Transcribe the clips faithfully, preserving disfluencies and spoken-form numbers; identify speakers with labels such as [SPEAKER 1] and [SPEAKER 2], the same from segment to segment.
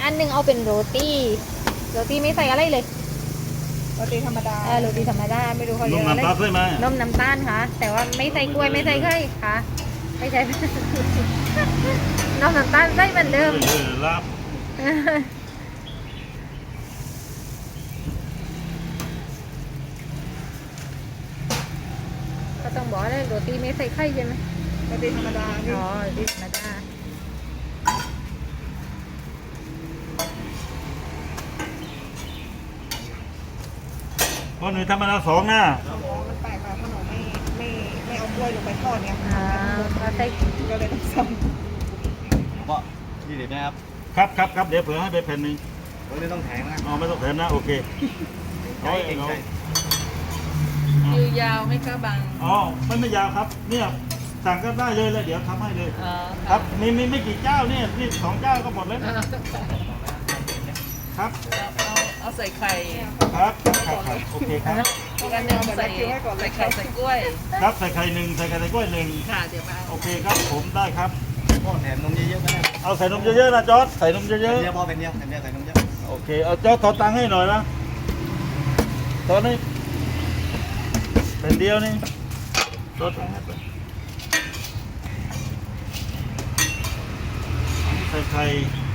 [SPEAKER 1] อันหนึ่งเอาเป็นโรตีโรตีไม่ใส่อะไรเลย
[SPEAKER 2] โรตีธรรมดา
[SPEAKER 1] เออโรตีธรรมดาไม่รู้เขา
[SPEAKER 3] น
[SPEAKER 1] เรีย
[SPEAKER 3] ม
[SPEAKER 1] กอะไร
[SPEAKER 3] น้ำตาลใช่ไหม
[SPEAKER 1] นมน้ำตาลค่ะ แต่ว่าไม่ใส่กล้วยไม่ใส่ไข่ค่ะไม่ใช่ นมน้ำตาลใส่เหมือนเดิม
[SPEAKER 3] เออลาบ
[SPEAKER 1] ก็ต้องบอกเลยโรตีไม่ใส่ไข่ใช่ไหม
[SPEAKER 2] โรตีธรรมดาพี่
[SPEAKER 1] อ๋อโรตีธรรมดา
[SPEAKER 3] คนหนึ่งธรรมดาสองนะ
[SPEAKER 2] อ๋อมันแปลกค่ะขนมไม่ไม่ไม่เอากล้วยลงไปทอดเนี่ย
[SPEAKER 1] อ่าก็ใส่
[SPEAKER 2] ก็เลยต้องซ้
[SPEAKER 4] ก็ยี่สิบนะครับ
[SPEAKER 3] ครับครับครับเดี๋ยวเผื่อให้ไปแผ่นหนึ่ง
[SPEAKER 4] วันนี้ต้องแถมนะ
[SPEAKER 3] อ๋อไม่ต้องแถมนะโอเค
[SPEAKER 4] ใช่เก่งใจ
[SPEAKER 5] คิวยาวไหม่ก็บัง
[SPEAKER 3] อ๋อไม่ไม่ยาวครับเนี่ยสั่งก็ได้เลยแล้วเดี๋ยวทำให้เลย
[SPEAKER 5] อ๋อ
[SPEAKER 3] ครับมีมีไม่กี่เจ้าเนี่ยนี่สองเจ้าก็หมดแล้ว
[SPEAKER 5] เอา
[SPEAKER 3] ครับ
[SPEAKER 5] เอาเอาใส่ไข่
[SPEAKER 3] ครับครับครับโอเคครับ
[SPEAKER 5] อีกอันหนึ่งใส่ใส่ไข่ใส่กล้วย
[SPEAKER 3] ครับใส่ไข่หนึ่งใส่ไข่ใส่กล้วยหนึ่ง
[SPEAKER 5] ค่ะเดี๋ยวมา
[SPEAKER 3] โอเคครับผมได้ครับ
[SPEAKER 4] ก็แถมนมเยอะๆก็ได้
[SPEAKER 3] เอาใส่นมเยอะๆนะจอร์ดใส่นมเย
[SPEAKER 4] เย
[SPEAKER 3] อะ
[SPEAKER 4] อะพอเป็นเดียวเป็นเดียวใส่นมเยอะ
[SPEAKER 3] ๆโอเคเอาจอร์ดทอนตังค์ให้หน่อยนะตอนนี้เป็นเดียวนี่จอร์ดตังค์ให้ไปอันนี้ใส่ไข่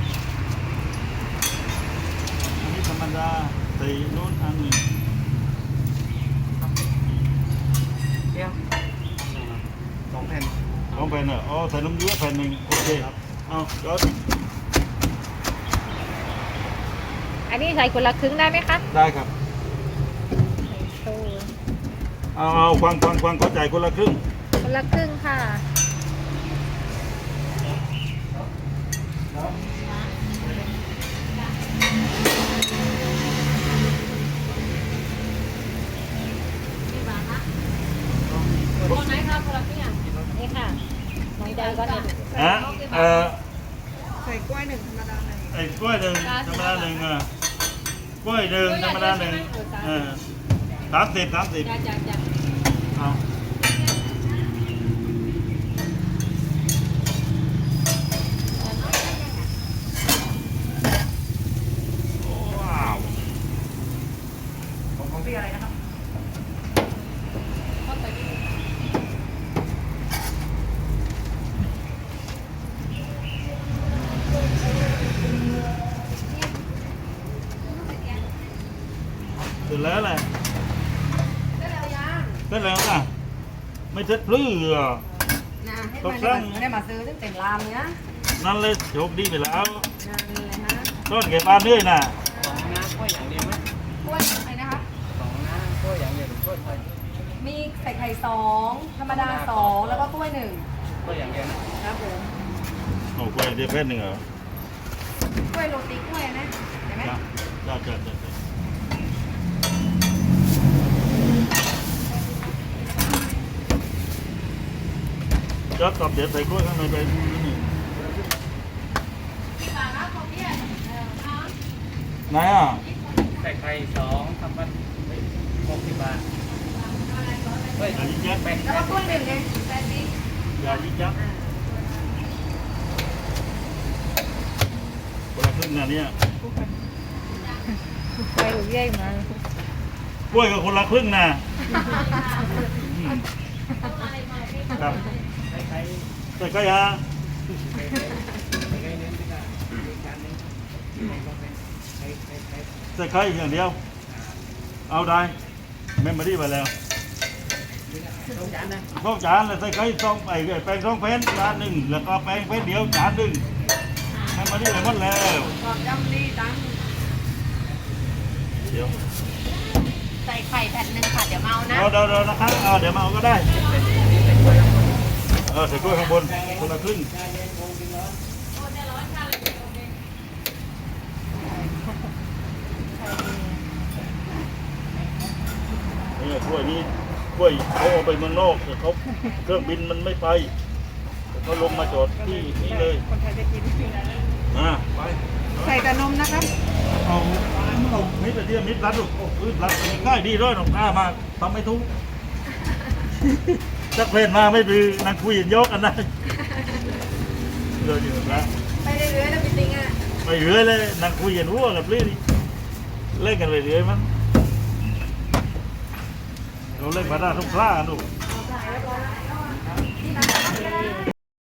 [SPEAKER 3] อันนี้ธรรมดาใส่นู้นอันหนึ่ง
[SPEAKER 4] เดียวสองแผ่น
[SPEAKER 3] สองแผ่นเหรออ๋อใส่นมเยอะแผ่นหนึ่งโอเคเอาจอร์ด
[SPEAKER 1] อันนี้ใส่คนละครึ่งได้ไหมคะ
[SPEAKER 3] ได้ครับ
[SPEAKER 1] ใส่โซ่
[SPEAKER 3] เอาเอาฟังฟังฟังเข้าใจคนละครึ่ง
[SPEAKER 1] คนละครึ่งค่ะ คนไหนคะคนละครึ่งนี่ค่ะน้องใจก็ได้
[SPEAKER 3] ฮะเอ่อ
[SPEAKER 2] ำใส่กล้วยหนึ่งธรรมดาหนึ่ง
[SPEAKER 3] ไอ้กล้วยหนึ่งธรรมดาหนึ่งอ่ะกล้วยหนึ่งธรรมดาหนึ่งเออสามสิบสามสิบ
[SPEAKER 1] จ้าจ้าจ้า
[SPEAKER 3] เอาว้าว
[SPEAKER 4] ของของพี่อะไรนะครับ
[SPEAKER 3] เสร็จแล้วแหละ
[SPEAKER 2] ได้แล้วยัง
[SPEAKER 3] เสร็จแล้วนะไม่เสร็จพลื้ออ่ะ
[SPEAKER 2] นะให้
[SPEAKER 3] ต
[SPEAKER 2] ไม่
[SPEAKER 3] ก
[SPEAKER 2] ได้
[SPEAKER 3] ล
[SPEAKER 2] มาง ไม่ได้มาซื้อตั้งแต่รามเนี้ย
[SPEAKER 3] นั่นเลยโชคดีไปแล้ว
[SPEAKER 2] นั่นเลยฮะ
[SPEAKER 3] ต้นเก็บปลาเรื่อยน่ะ
[SPEAKER 4] สองน้ำกล้วยอย่างเดียวไหม
[SPEAKER 2] กล้วยอะไรนะคะ
[SPEAKER 4] สองน้ำกล้วยอย่างเดียวหรือกล้วยไทย
[SPEAKER 2] มีใส่ไข่สองธรรมดาสองแล้วก็กล้วยหนึ่ง
[SPEAKER 4] กล้วยอย่างเดียวนะครับ
[SPEAKER 2] ผม
[SPEAKER 3] โอ้กล้วยเดียวแค่หนึ่งเหรอก
[SPEAKER 2] ล้วยโรตีกล้วยนะเห็นไหม
[SPEAKER 3] จ้าจ้าจ้าจ้าจ้าตอบเดี๋ยวใส่กล้วยข้างในไปนี่ไหนอ่ะ
[SPEAKER 4] ใส่ไข่สองทำมันหกสิบบาทเฮ้ย
[SPEAKER 3] อย่ายิงยักษ์
[SPEAKER 4] แปด
[SPEAKER 2] แล้วก็กล้วยหนึ่งไงแปดสิบ
[SPEAKER 3] อย่ายิงยักษ์คนละครึ่งนะเนี่ย
[SPEAKER 1] ไปหรือใหญ่มาก
[SPEAKER 3] ล้วยกับคนละครึ่งนะอืมครับ
[SPEAKER 4] ใส่ไข่
[SPEAKER 3] ใส่ไข่ฮะ
[SPEAKER 4] ใส่ไข่เน้นไปก่อนอีกจานหนึงใส่ไข่ไข่
[SPEAKER 3] ใส่ไข่อย่างเดียว เอาได้เมมโมรี่ไปแล้ว
[SPEAKER 4] สองจานนะ
[SPEAKER 3] สองจานแล้วใส่ไข่สองไอ้แป้งสองแผ่นจานหนึ่งแล้วก็แป้งแผ่นเดียวจานหนึ่งเมมโมรี่ไปหมดแล้ว
[SPEAKER 2] ความจำดีจัง
[SPEAKER 3] เดี๋ยว
[SPEAKER 1] ใส่ไข่แผ่นหนึ่งค่ะเดี๋ยวเมานะ
[SPEAKER 3] เดี๋ยวเดี๋ยวนะครับเอาเดี๋ยวมาเอาก็ได้เออใส่กล้วยข้างบนคนละครึ่งนี่กล้วยนี้กล้วยเขาเอาไปเมืองนอกแต่เขาเครื่องบินมันไม่ไปเขาลงมาจอดที่นี่เลย
[SPEAKER 2] คนไทยจะกิน
[SPEAKER 3] อ่าไป
[SPEAKER 2] ใส่แต่นมนะครับ
[SPEAKER 3] เอาเอามิดไปเดียวมิดรัดลูกโอ้ยรัดง่ายดีด้วยหนองตามาทำไม่ทุกจักเพลนมาไม่ดื้อนั่งคุยกันยกกันได้เดินอยู่นะ
[SPEAKER 2] ไปเรื่อยๆแล้วพี่ติงอ่ะ
[SPEAKER 3] คไปเรื่อยเลยนั่งคุยกันหัวกับเรื่อยเล่นกันไปเรื่อยมั้งเราเล่นมาได้ทุกครั้งลูก